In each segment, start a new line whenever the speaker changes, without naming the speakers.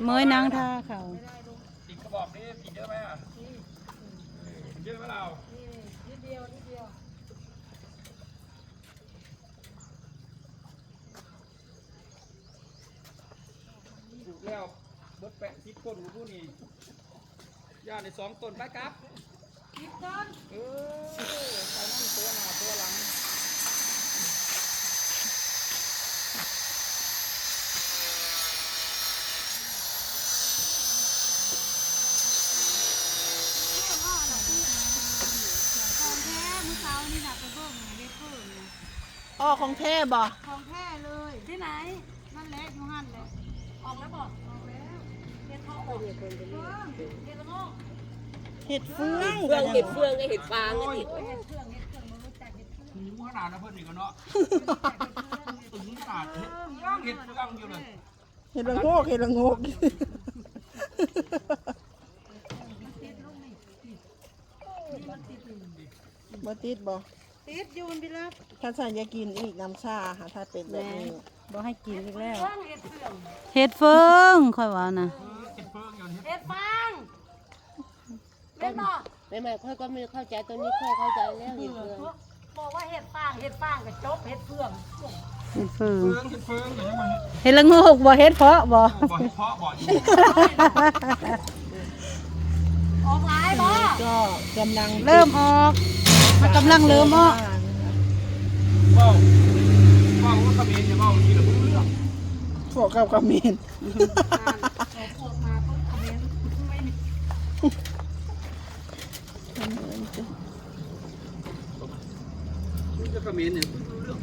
เมยนางท่าเขา
ติดกระบอกนี่ติดเยอะไหมอ่ะเยอะไหมเรานิดเดียวถูกแล้วเบิดแปะทิศก้นของผู้นี่ย่าใน2 ต้นไปครับทิศต้นไปนั่งตัวหน้าตัวหลัง
อ๋อของแท้บ่
ของแท้เลยที่ไหนนั่นแหละอยู่หั่นแหละออกแล้วบอกออกแล้วเห็ดทองเห็ดละโงก
เห็ดเฟือง
เห็ดเฟืองก็เห็ดฟางนี่
เห็ดเครื่องมันรู้จักเห็ดเครื่อง
หูขนาดนะเพื่อนอีกเนาะตึงขนาดเห็ดเฟืองอยู่เลย
เห็ดละโงกเห็ดละโงกบ่ติดบ่
ติดยูนพี่รับ
ถ้าสั่นอยากกินอีกน้ำชาค่ะถ้าเป็นแบบนี้
บ่ให้กินอีกแล้ว
เฟืองเห็ดเครื่อง
เฮ็ดเฟิงค่อยว่านะ
เห็ดเฟืองอยู่เห็ด
เห็ดฟางเล่นบอก
ไม่ค่อยก็ไม่เข้าใจตัวนี้ค่อยเข้าใจแล้วเห็ดเฟือง
บอกว่าเห็ดฟางกับจบเห็ดเฟือง
เฮ็ดเฟิง
เห็ดเฟืองอย่างนี้มัน
เฮ็ดละโงกบ่เฮ็ดเพาะบ่
บ่เห็ดเพาะบ่อยู่
ออกหลายบ่
ก็กำลัง
เริ่มออกมันกำลังเริ่มออก
ว่าว่าเขมรอย่าว่าทีละเรื่อง
พวกกับกระเมน
พวกมาปุ๊บคอมเมนต์ไม่มี
จะเขมรเนี่ย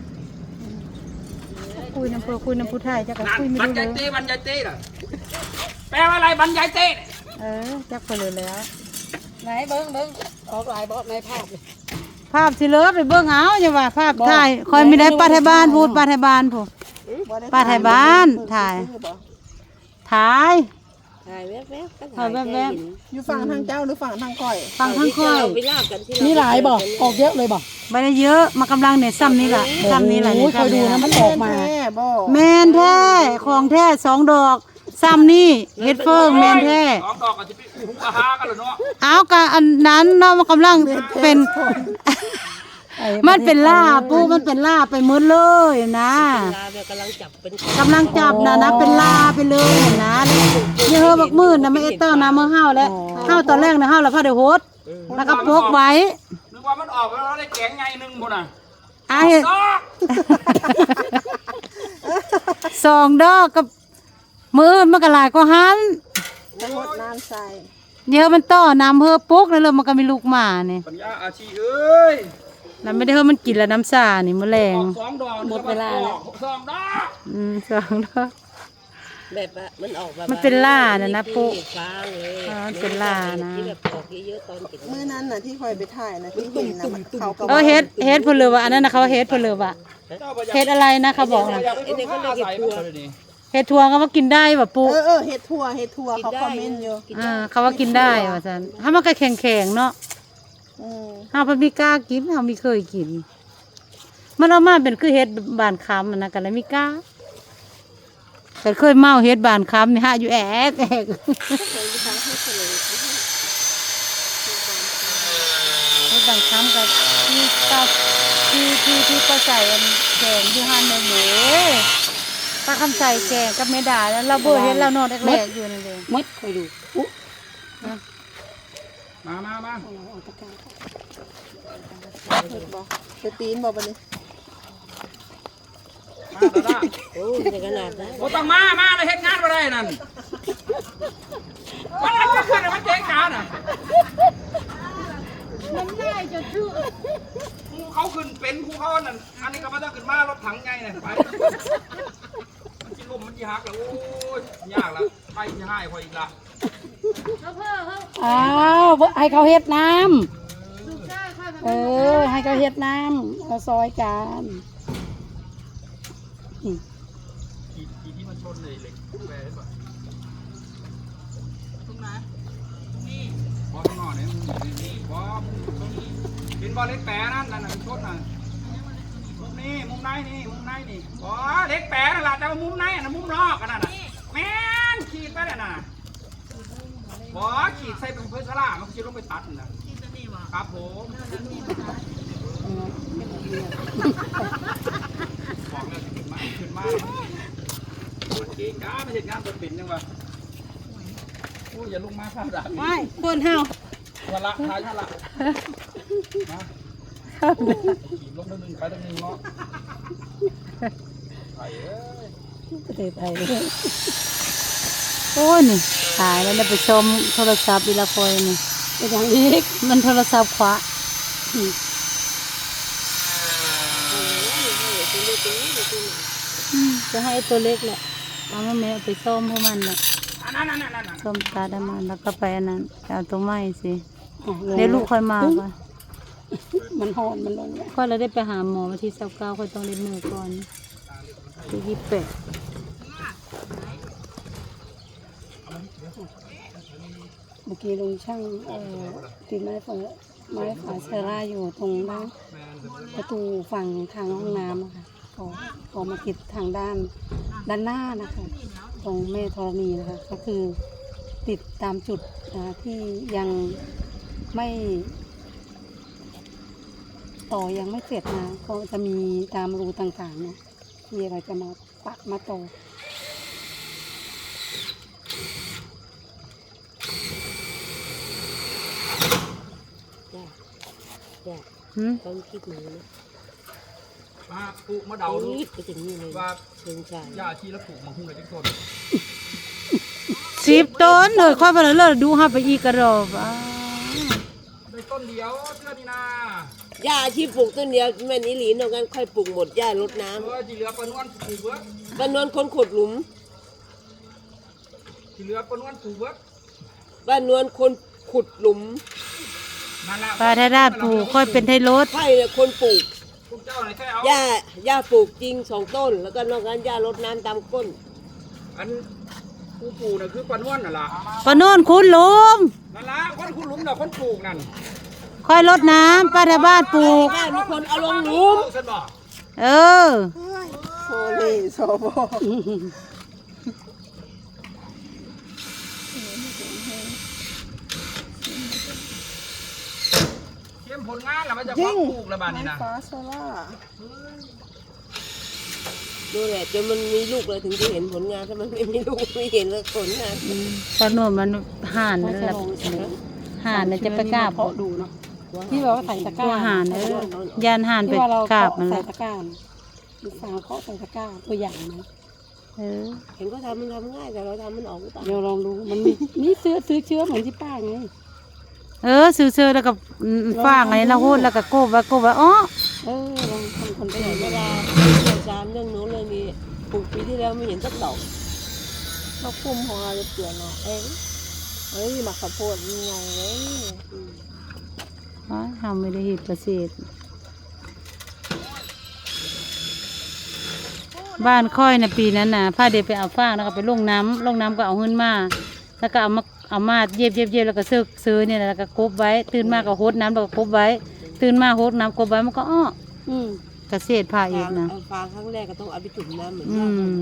คุยน้ำคุยน้ำผู้ไทยจักก็คุยไม่
บรร
รู้
ยาย
เล
เต้
ย
บรรยายเต้ล่ะแปลว่าอะไรบรรยายเต้
จักไปเลยแล้ว
ไหนเบิ้งออกหลายบ่ในภาพเลย
ภาพสิเลิศไปเบิ่งเอาอย่าว่าภาพถ่ายคอยไม่ได้ป้าไทยบ้านพูดป้าไทยบ้านพูด ป้าไทยบ้านถ่าย ถ่าย
ถ่ายแวบๆก็
ถ่ายแวบ
อยู่ฝั่งทางเจ้าหรือฝั่งทางก้อย
ฟังทั้งค่อย
ไปลากกันที่
มีหลายบ่ออกเยอะเลยบ่
ไม่ได้เยอะมากำลังเนี่ยซ้ำนี่แหละซ้ำนี่แหละเนี่ย
คอยดูนะมันออกมาแม่บ่
แมนแท้ของแท้2 ดอกซ้ำนี่เฮ็ดเฟิงแมนแท้
2 ดอกอาจจะไปหูกระหากันเหรอเนาะ
เอากะอันนั้นเนาะมันกำลังเป็น มันเป็นล่าปูมันเป็นล่าไปหมดเลยนะ
ลาแบบกำลังจับเป็น
กำลังจับนะเป็นล่าไปเลยนะเยอะบักมืดนะไม่เอเตอร์นะเมื่อห้าวแล้วห้าวตอนแรกนะห้าวแล้วพ่อเดี๋ยวโหดแล้วก็พกไว้
นึกว่ามันออกแล้วได้แกงไงนึงบ่น่ะ
เห็น
ดอก
2 ดอกกับมือมันก็หลายก็หัน
ทั้งหมดน้ำใส่
เยอะมันต่อน้ำเฮือปุ๊กแล้วเลยมันก็มีลูกหมาเนี่ย
ปัญญาอาชีเอ้ย
แล้วไม่ได้เฮือมันกินแล้วน้ำซานี่มะแรง
ออก2 ดอกหมดเวลาแล้ว2 ดอก
2 ดอก
แบบว่ามันออกมา
มันเป็นล่าน่ะนะปุ๊
เห็ดฟางเลย
มันเป็นล่านะ
ที่แบบออกเยอะๆตอนกิน
มื้อนั้นน่ะที่คอยไปถ่ายนะที่เห็นนะมันเขาก็
เฮ็ดเพนเลยว่าอันนั้นนะเขาเฮ็ดเพนเลยว่าเฮ็ดอะไรนะเขาบอกนะ
ไอ้เนี่ยเขาเรียกเห็ดทัว
เฮ็ดทัวร์เขาว่ากินได้ป่ะปุ๊
เห็ดทั่วเขาคอมเมนต์อยู่
เขาว่ากินได้ว่าซั่นถ้ามันก็แข็งๆเนาะ เฮาเพิ่นมีกล้ากินเฮามีเคยกิน มันเอามาเป็นคือเฮ็ดบานคำนะก็เลยมีกล้าแต่เคยเมาเฮ็ดบานคำนี่ฮะอยู่แอกเฮ็ดบานคำก็ที่ตับที่ก็ใส่อันแกงอยู่หั่นแม่หมูป้าคำใส่แกงกับแม่ดาแล้วเราบ่เฮ็ดเรานอนแรกๆอยู่นั่นเด้
มัดคอยดู
มา
จะตีนบ่บัดนี้
ดา
โอ้ยขนาดนั้น
บ่ต้องมาเลยเฮ็ดงานบ่ได้นั่นมันจะขึ้นมันเจ๊งกันน่ะมันง่ายจะชื่อเขาขึ้นเป็นผู้เขานั่นอันนี้ก็บ่ต้องขึ้นมารถถังไงเนี่ยไปมันสิล้มมันสิหักแล้วโอ้ยยากละไปสิหายพออีกละ
อ้าวให้เขาเฮ็ดน้ำให้เขาเฮ็ดน้ำเราซอยกัน
ขีดที่มันชนเลยเหล็กแปรได้ป่ะตรงไหนนี่บอลข้างนอกเนี่ยนี่บอลตรงนี้เป็นบอลเล็กแปรนั่นน่ะชนน่ะมุมนี้มุมไหนนี่บอลเล็กแปรนั่นแหละแต่ว่ามุมไหนน่ะมุมนอกกันน่ะแม่นขีดไปแล้วน่ะสลามันจะลงไปตัดนะครับผมบอกแล้วขึ้นมาโอเคจ้าไม่เห็นงานตัวปิ่นยังวะโอ้ยอย่าลงมาข้าวด่าง
ไม่คนเฮา
วันละท้ายท่าละนะขี่ลงตัวหนึ่งไปตัวหนึ่งเนาะไปเอ้ย
ประเทศไทยโอ้ยนี่ตายแล้วไปชมโทรศัพท์อีละคอยนี่เป็นอย่างนี้มันโทรศัพท์ขวาจะให้ตัวเล็กแหละเอามาแม่ไปส้มพวกมันแหละส้มตาดำมันแล้วก็ไปอันนั้นเอาตัวไม้สิเดี๋ยวลูกค่อยมาก่อน
มันหอนมันลง
ค่อยเราได้ไปหาหมอวันที่29ค่อยต้องเล่นมือก่อนที่28
เมื่อกี้ลุงช่างติดไม้ฝาเซราอยู่ตรงด้านประตูฝั่งทางห้องน้ำนะคะก็มาติดทางด้านหน้านะคะตรงแม่ธรณีนะคะก็คือติดตามจุดที่ยังไม่ต่อยังไม่เสร็จนะก็จะมีตามรูต่างๆเนี่ยที่เราจะมาปักมาต่อ
ต้องคิดหนูนะ
มาปลูกมะเดาดู
คิดไปถึงนี่เลย
ว่า
เชิงชาย
หญ้าที่แล้วปลูกมาหุ้มเลยทุกคน
10 ต้นเลยค่อยไปเลยดูหาไปอีกกระรอบ
ได้ต้นเดียวเชื่อนี่นา
หญ้าที่ปลูกต้นเดียวแม่นอีหลีนอกนั้นค่อยปลูกหมดหญ้ารดน้
ที่เหลือปนวนปลูกเบิร์ด
ำบ้านนวลคนขุดหลุม
ที่เหลือปนวนปลูกเบิร์ด
บ้านนวลคนขุดหลุม
นั่นแหละ
ปลาทาราดปลูกค่อยเป็นไทยรถ
ใช่เลยคนปลูก
พวกเจ้าไหนแค่เอา
หญ้าปลูกจริง2 ต้น แล้วก็นอกนั้นหญ้ารดน้ำตามก้น
อันผู้ปลูกน่ะคือปนวนน่ะล่ะ
ปะโน่นคุณลุง
นั่นล่ะคนคุณหลุมน่ะคนปลูกนั่น
ค่อยรดน้ำป้าทาบ้านปลูก
บ้านมีคนเอาลงหลุม
ฉันบอก
เออ
โซเล่โซโบ
เข้มผลงานแล้วมันจะพอปลูกแล้วบ้านนี้นะ
ฟ้าโซล่า
ดูแหละจนมันมีลูกเลยถึงจะเห็นผลงานถ้ามันไม่มีลูกไม่เห็นเลยผลงาน
ปะโน่นมันห่านนั่นแหละห่านน่ะจะไปกราบ
เพาะดูเนาะที่เราใส่ตะกร้า
ตัวห่านยานห่านไป
ที่ว่าเรา
กราบ
เพาะ
มันแห
ใส่
ละ
ตะกร้าลูกสาวเพาะใส่ตะกร้าตัวอย่างนะ
เออ
เห็นก็ทำมันทำง่ายแต่เราทำมันออกหรือเปล่า
เดี๋ยวลองดูมันมีนี่ซื้อเชื้อเหมือนที่ป้าไง
เออซื้อๆแล้วก็ฟางอะไรละโหดแล้วก็โกบไว้อ๋อ
ลองทำคน
ไป
ไป
ไห
ไห
น
น
เว
ไม่
ลา
ได้
อาจารย์เรื่องโน้นเรื่องนี้ปลูกปีที่แล้วไม่เห็นสักดอก
เราคุมของเราจะเปลี่ยนเนาะเฮ้ยหมักข้าวโพดยังไงเว้ย
อ๋อทำไม่ได้เห็ดเกษตรบ้านค่อยนะปีนั้นน่ะพาเด็กไปเอาฟางแล้วก็ไปลงน้ำก็เอาเงินมาแล้วก็เอามาเย็บแล้วก็ซื้อเนี่ยแล้วก็กบไว้ตื่นมาก็โหดน้ำแล้วก็กบไว้ตื่นมาโหดน้ำกบไว้มันก็อ้อเกษตรพาอีกนะ
ฟางครั้งแรกก็ต้องเอาไปจุ่มน้ำเหมือน
อื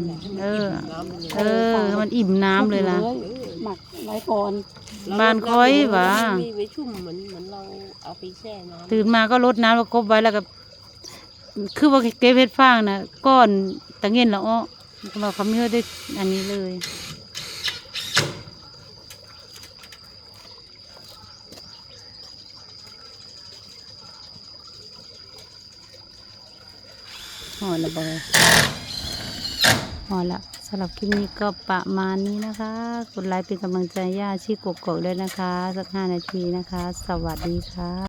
กัน
มมันอิ่มน้ำเลยล่ะ
หมักไว้ก่อน
บ้านค่อยหว่า
มีไว้ชุ่มเหมือนเราเอาไปแช่น้ำ
ตื่นมาก็รดน้ำแล้วกบไว้แล้วก็คือว่าเก็บเห็ดฟางนะก้อนตะเงินละอ้อเราเขาไม่ได้อันนี้เลยห่อละบอยห่อละสำหรับคลิปนี้ก็ประมาณนี้นะคะกดไลค์เป็นกำลังใจย่าชีกกอกด้วยนะคะสัก5 นาทีนะคะสวัสดีค่ะ